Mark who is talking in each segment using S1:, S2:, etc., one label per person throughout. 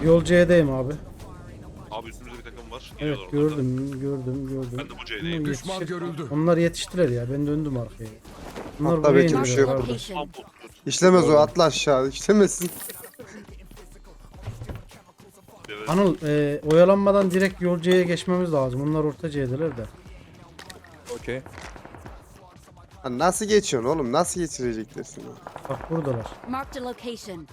S1: Yol C'deyim abi.
S2: Abi üstümüzde bir takım var.
S1: Evet
S2: Geliyorlar onlar da.
S1: gördüm.
S2: Ben de bu C'deyim.
S3: Düşman görüldü.
S1: Onlar yetiştiler ya, ben döndüm arkaya. Onlar
S4: Hatta
S1: buraya
S4: belki bir şey
S1: indiler
S4: yok.
S1: kardeş.
S2: Tam
S4: İşlemez o, atla aşağı. İşlemesin.
S2: Evet.
S1: Anıl oyalanmadan direkt Yol C'ye geçmemiz lazım. Onlar orta C'deler de.
S5: Okey.
S4: Ha, nasıl geçiyorsun oğlum? Nasıl geçirecekler seni?
S1: Bak buradalar.
S6: Marked a location.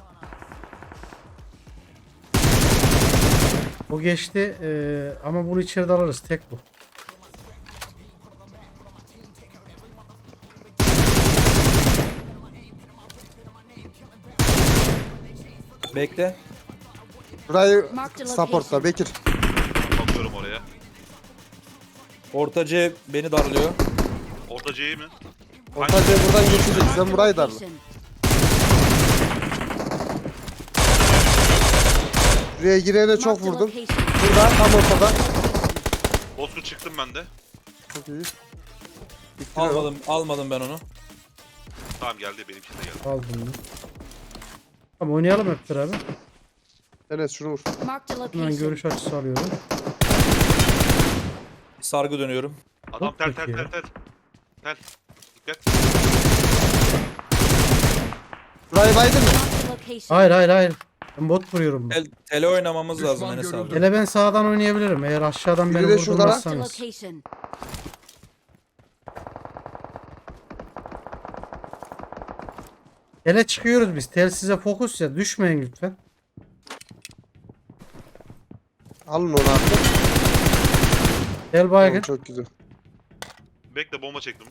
S1: O geçti ama bunu içeride alırız, tek bu.
S5: Bekle.
S4: Burayı
S6: Marked a
S4: supportla
S6: location.
S4: Bekir.
S2: Bakıyorum oraya.
S5: Ortacı beni darlıyor.
S2: Orta C'yi mi?
S4: Ortacıya buradan geçecek.
S6: Marked
S4: Sen
S6: a
S4: burayı darla.
S6: location.
S4: Buraya girene çok
S6: Marked a
S4: vurdum.
S6: location.
S4: Burada tam ortada.
S2: Bozkurt çıktım ben de.
S4: Çok iyi. Bittiler o.
S5: Almadım ben onu.
S2: Tamam geldi, benimki de geldi.
S1: Aldım bunu. Tamam, oynayalım hep beraber.
S4: Enes şunu vur.
S6: Marked a
S1: Hemen
S6: location.
S1: görüş açısı alıyorum.
S5: Sargı dönüyorum.
S2: Adam
S1: Çok
S2: tel
S1: peki ya.
S2: Tel. Dikkat.
S4: Burayı baydın mı?
S6: Marked a location.
S1: Hayır. Ben bot vuruyorum.
S5: Tele oynamamız lazım
S3: Düşman
S5: Enes abi.
S3: görüldü.
S1: Hele ben sağdan oynayabilirim eğer aşağıdan
S4: Biri
S1: beni
S4: de şurada lan.
S6: Marked a
S1: vurdurmazsanız.
S6: location.
S1: Hele çıkıyoruz biz. Telsize fokus ya. Düşmeyin lütfen.
S4: Alın onu artık.
S1: Tel baygın.
S4: Çok güzel.
S2: Bekle, bomba çektim.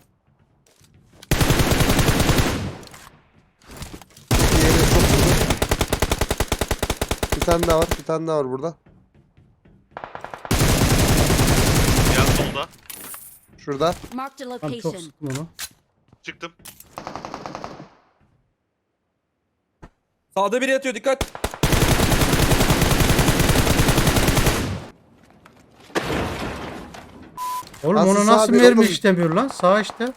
S4: Diğeri çok güzel. Bir tane daha var burada.
S2: Yan solda.
S4: Şurada.
S6: Marked a
S1: Ben çok
S6: location.
S1: sıktım onu.
S2: Çıktım.
S5: Sağda biri yatıyor, dikkat.
S1: Oğlum
S4: Nasıl
S1: onu
S4: sağ
S1: nasıl
S4: bir
S1: mermi
S4: oğlum?
S1: işlemiyor lan? Sağ işte.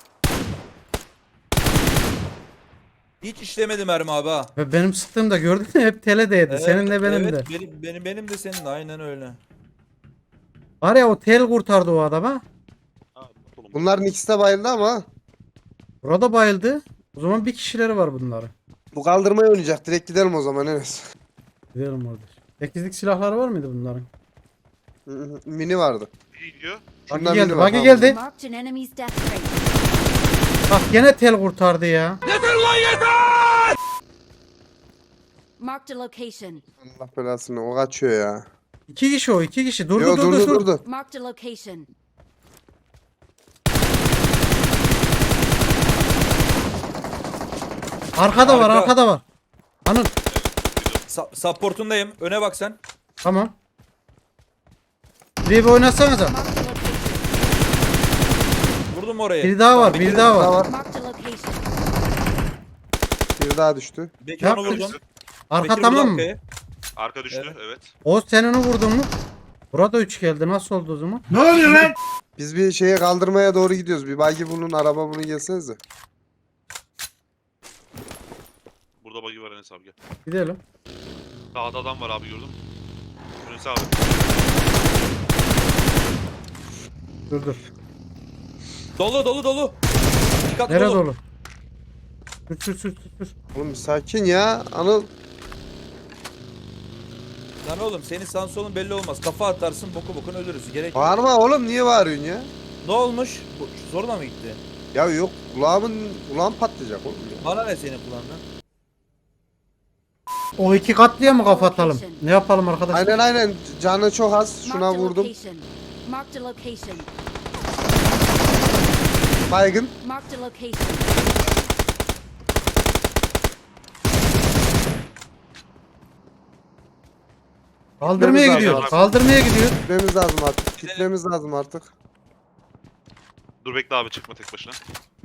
S5: Hiç işlemedi mermi abi ha.
S1: Ve benim sıktığımda gördün mü hep tele değdi. Senin de benim
S5: evet,
S1: de.
S5: Benim de senin de aynen öyle.
S1: Var ya, o tel kurtardı o adama.
S2: Ha, oğlum.
S4: Bunların ikisi de bayıldı ama.
S1: Burada bayıldı. O zaman bir kişileri var bunların.
S4: Bu kaldırmayı oynayacak. Direkt gidelim o zaman Enes.
S1: Gidelim orada. 8'lik silahları var mıydı bunların?
S4: Mini vardı.
S2: İyi gidiyor.
S1: Buggy
S4: Şundan
S1: geldi.
S4: mini var,
S1: Buggy
S4: tamam.
S1: geldi.
S6: Marked an enemy's death rate.
S1: Bak gene tel kurtardı ya.
S6: Marked a location.
S4: Allah belasını, o kaçıyor ya.
S1: 2 kişi o, 2 kişi.
S4: Yo, durdu.
S6: Marked a location.
S1: Arkada var,
S5: Arka.
S1: arkada var. Anıl.
S5: Supportundayım. Öne bak sen.
S1: Tamam. Bir oynasanıza.
S6: Marked a location.
S5: Vurdum oraya.
S1: Bir daha var, bir daha
S4: Daha
S1: var.
S4: var.
S6: Marked a location.
S4: Bir daha düştü.
S5: Bekir
S1: Ne
S5: onu
S1: yaptın?
S5: vurdum.
S1: Arka
S5: Bekir
S1: tamam
S5: vurdu
S1: mı?
S5: arkaya.
S2: Arka düştü,
S5: Evet.
S2: evet.
S1: O senin vurdun mu? Burada 3 geldi. Nasıl oldu o zaman?
S4: Biz bir şeye kaldırmaya doğru gidiyoruz. Bir bagi bunun, araba bunu gelsenize.
S2: Burada buggy var, Enes abi gel.
S1: Gidelim.
S2: Sağda adam var abi, gördün mü? Enes abi.
S1: Dur.
S5: Dolu. Dikkat
S1: Nereye
S5: dolu.
S1: dolu? Sür.
S4: Oğlum bir sakin ya. Anıl.
S5: Lan oğlum senin sağın solun belli olmaz. Kafa atarsın bokun ölürüz. Gerek yok.
S4: Bağırma oğlum, niye bağırıyorsun ya?
S5: Ne olmuş? Zorla mı gitti?
S4: Ya yok, kulağım patlayacak oğlum ya.
S5: Bana ne senin kulağından?
S1: O 2 katlıya mı kapatalım? Ne yapalım arkadaşlar?
S4: Aynen, canı çok az. Şuna
S6: Marked a
S4: vurdum.
S6: location. Marked a location.
S4: Baygın.
S6: Marked a location.
S1: Kaldırmaya
S4: Gitmemiz
S1: gidiyor.
S4: lazım.
S1: Kaldırmaya gidiyor.
S4: Gitmemiz lazım artık. Gitmemiz lazım artık.
S2: Dur bekle abi, çıkma tek başına.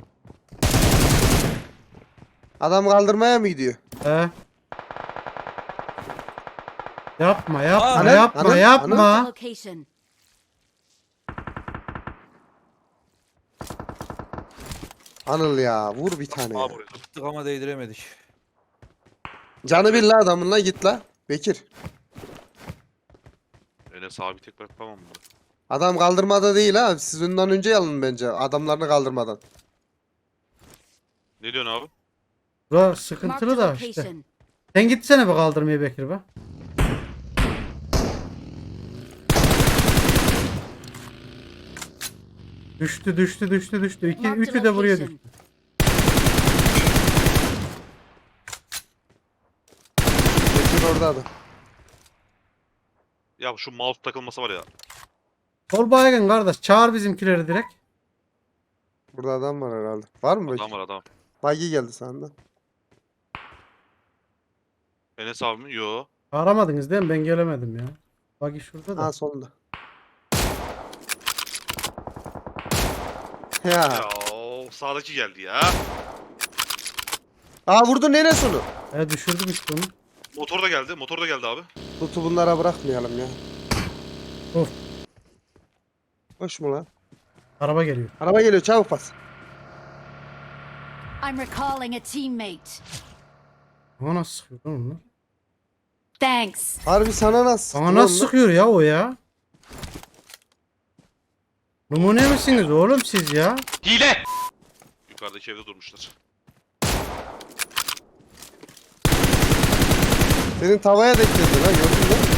S4: Adam kaldırmaya mı gidiyor?
S1: He. Yapma.
S4: Anıl, Anıl,
S6: Marked a
S1: Yapma.
S6: location.
S4: Anıl ya, vur bir tane ya.
S2: Abi buraya.
S5: Gittik ama değdiremedik.
S4: Canı bir la adamın la, git la. Bekir.
S2: Enes abi tek bırakmam bunu.
S4: Adam kaldırmada değil ha. Siz ondan önce alın bence. Adamlarını kaldırmadan.
S2: Ne diyorsun abi?
S1: Bura
S6: Marked a
S1: sıkıntılı da işte.
S6: location.
S1: Sen gitsene be kaldırmaya Bekir be. Düştü. Üçü de buraya düştü.
S4: Bekir orada da.
S2: Ya şu mouse takılması var ya.
S1: Sol baygın kardeş. Çağır bizimkileri direkt.
S4: Burada adam var herhalde. Var mı
S2: Adam
S4: Bekir?
S2: var adam.
S4: Bagi geldi senden.
S2: Enes abi mi? Yo.
S1: Aramadınız değil mi? Ben gelemedim ya. Bak şurada da.
S4: Ha solunda. Ya.
S2: Ya o sağdaki geldi ya.
S4: Aa vurdu neresi onu?
S1: Düşürdüm işte onu.
S2: Motor da geldi. Motor da geldi abi.
S4: Tutu bunlara bırakmayalım ya.
S1: Of.
S4: Hoş mu lan?
S1: Araba geliyor.
S4: Araba geliyor çabuk bas.
S6: I'm recalling a teammate.
S1: Ama nasıl sıkıyor lan onlar?
S6: Thanks.
S4: Harbi sana nasıl?
S1: Ama nasıl sıkıyor ya o ya? Numune misiniz oğlum siz ya?
S2: Hile! Yukarıdaki evde durmuşlar.
S4: Senin tavaya denk geldi lan gördün mü?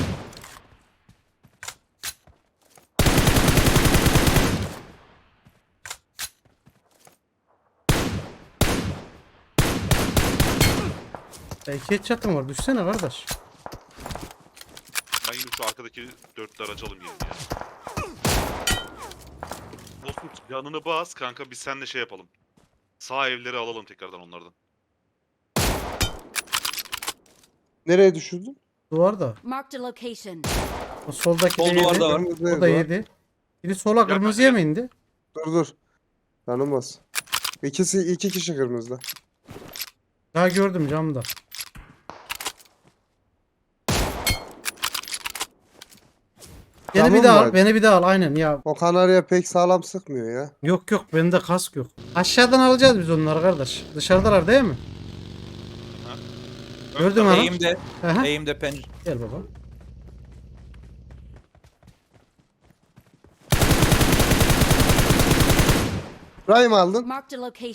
S1: İki headshot'ım var. Düşsene kardeş.
S2: Ben yine şu arkadaki dörtlü aracı alayım yani ya. Bozkurt yanını bas kanka biz seninle şey yapalım. Sağ evleri alalım tekrardan onlardan.
S4: Nereye düşürdün?
S1: Duvarda.
S6: Marked a location.
S1: O soldaki
S5: Sol
S1: de yedi.
S5: duvarda var.
S4: Kırmızı
S1: O
S4: ev
S1: da
S4: var.
S1: yedi. Biri sola kırmızıya mı indi?
S4: Dur. Canım bas. İki kişi kırmızıda.
S1: Daha gördüm camda. Beni
S4: Camın
S1: bir daha
S4: var.
S1: al. Beni bir daha al. Aynen ya.
S4: O kanarya pek sağlam sıkmıyor ya.
S1: Yok bende kask yok. Aşağıdan alacağız biz onları kardeş. Dışarıdalar değil mi? Gördüm hanım.
S5: Eğimde.
S1: Aha.
S5: Eğimde pencere.
S1: Gel baba.
S4: Burayı mı aldın?
S6: Marked a location.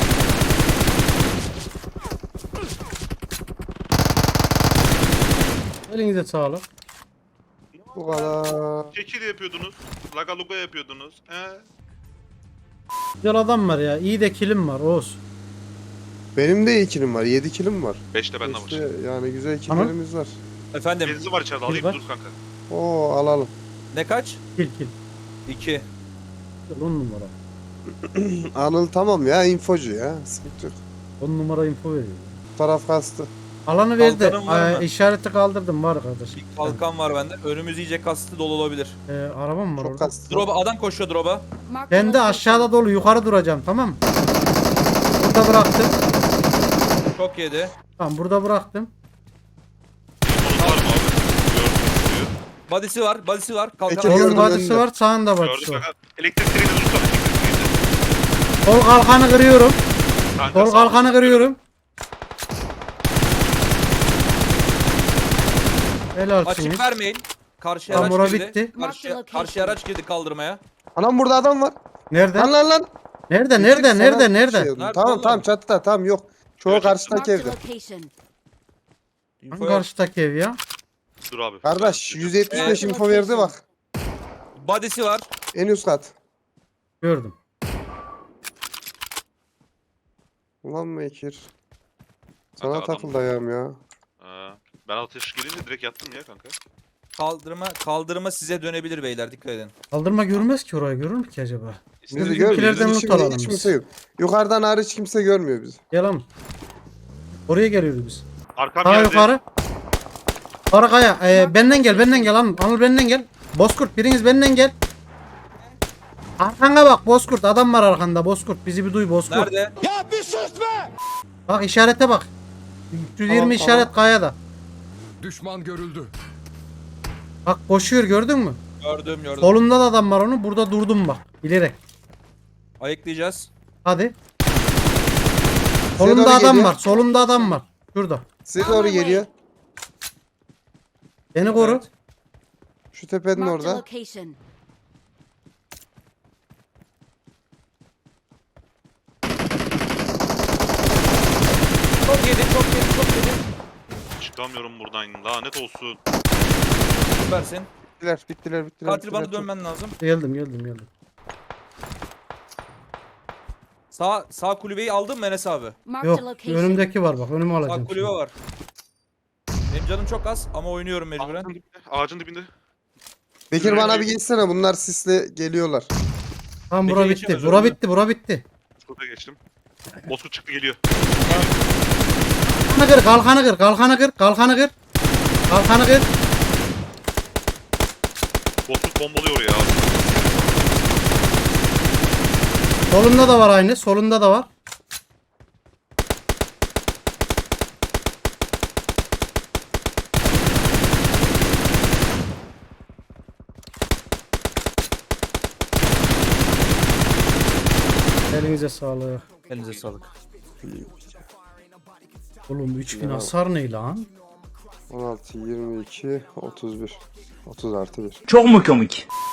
S1: Elinize sağlık.
S4: Bu kadar.
S2: Kekil yapıyordunuz. Laga luga yapıyordunuz.
S1: Güzel adam var ya. İyi de kilim var Oğuz.
S4: Benim de 2 kilim var. 7 kilim var.
S2: 5 de bende var.
S4: İşte yani güzel
S1: Tamam.
S4: killerimiz var.
S5: Efendim
S2: Benzin var içeride alayım
S1: var.
S2: dur kanka.
S4: Oo alalım.
S5: ne kaç?
S1: Kil.
S5: 2.
S1: Güzel, 10 numara.
S4: Anıl tamam ya infocu ya. Sıkıntı yok.
S1: 10 numara info veriyor.
S4: Bu taraf kastı.
S1: Alanı verdi.
S5: Kalkanın var mı?
S1: İşareti kaldırdım var kardeş.
S5: Bir kalkan var bende. Önümüz iyice kastı dolu olabilir.
S1: Arabam var
S4: Çok
S1: orada.
S4: kastı.
S5: Drop'a adam koşuyor drop'a.
S6: Marked a
S1: Ben de
S6: location.
S1: aşağıda dolu yukarı duracağım tamam mı? Burada bıraktım.
S5: Çok yedi.
S1: Tamam burada bıraktım.
S2: Onun var mı abi? Gördüm.
S5: Body'si var. Body'si var. Kalkan
S4: Peki,
S5: var.
S4: gördüm
S1: Solun badisi
S4: önünde.
S1: var sağında
S2: Gördüm
S1: badisi var.
S2: kanka. Elektrik direğini tutsana. Elektrik direğini.
S1: Sol kalkanı kırıyorum.
S2: Kanka,
S1: Sol
S2: sağ-
S1: kalkanı kırıyorum. Helalsiniz.
S5: Açık vermeyin. Karşıya
S1: Tamam,
S5: araç
S1: ora
S5: girdi.
S1: bitti.
S5: Karşıya araç girdi kaldırmaya.
S4: Anam burada adam var.
S1: Nerede?
S4: Lan.
S1: Nerede?
S4: Bitirdik sana bir şey
S1: Nerede?
S4: oldu.
S5: Nerede
S4: Tamam
S5: oğlum?
S4: tamam çatıda tamam yok. Çoğu
S2: Gördüm.
S4: karşıdaki
S6: Marked a
S4: evde.
S6: location.
S5: Info
S1: Hangi
S5: yok.
S1: karşıdaki ev ya?
S2: Dur abi.
S4: Kardeş
S2: Ben-
S4: 175
S6: Evet.
S4: info verdi bak.
S5: Body'si var.
S4: En üst kat.
S1: Gördüm.
S4: Ulan Mekir.
S2: Kanka,
S4: Sana
S2: adam-
S4: takıldı ayağım ya.
S2: Ben ateş gelince direkt yattım ya kanka.
S5: Kaldırma size dönebilir beyler dikkat edin.
S1: Kaldırma görmez ki orayı görür mü ki acaba?
S4: Bizi
S2: İstediğin
S4: görmüyor.
S1: Bizimkilerden
S4: Bizi
S1: loot alalım
S4: hiç
S1: biz.
S4: kimse yok. Yukarıdan hariç kimse görmüyor bizi.
S1: Gel lan. Oraya geliyoruz biz.
S2: Arkam
S1: Daha
S2: geldi.
S1: yukarı. Arkaya. Benden gel lan. Anıl benden gel. Bozkurt biriniz benden gel. Arkana bak Bozkurt adam var arkanda Bozkurt bizi bir duy Bozkurt.
S5: Nerede?
S1: Bak işarete bak. 320
S4: Tamam,
S1: işaret
S4: tamam.
S1: kayada.
S3: Düşman görüldü.
S1: Bak koşuyor gördün mü?
S5: Gördüm.
S1: Solunda da adam var onun. Burada durdum bak. Bilerek.
S5: Ayıklayacağız.
S1: Hadi.
S4: Size
S1: Solunda
S4: doğru
S1: adam
S4: geliyor.
S1: var. Solunda adam var. Şurada.
S4: Size doğru geliyor.
S1: Beni koru.
S5: Evet.
S4: Şu tepenin
S6: Marked a
S4: orada.
S6: location.
S5: Çok yedi, çok yedi, çok yedi.
S2: Çıkamıyorum buradan. Lanet olsun.
S5: Süpersin.
S4: Bittiler.
S5: Katil bana dönmen lazım.
S1: Geldim.
S5: Sağ kulübeyi aldın mı Enes abi?
S6: Marked
S1: Yok
S6: a location.
S1: önümdeki var bak önümü alacağım.
S5: Sağ kulübe
S1: şimdi.
S5: var. Benim canım çok az ama oynuyorum mecburen.
S2: Ağacın dibinde. Ağacın dibinde.
S4: Bekir bana bir geçsene. Bunlar sisle geliyorlar.
S1: Tamam
S5: Peki,
S1: bura
S5: geçemez,
S1: bitti. Bura
S5: öldü.
S1: bitti. Bura bitti.
S2: Şurada geçtim. Bozkurt çıktı geliyor.
S1: Kalkanı kır.
S2: Bozkurt bombalıyor ya.
S1: Solunda da var aynı. Solunda da var. Elinize sağlık.
S5: Elinize sağlık.
S1: Oğlum 3000 hasar ne lan?
S4: 16, 22, 31. 30 artı 1.
S7: Çok mu komik?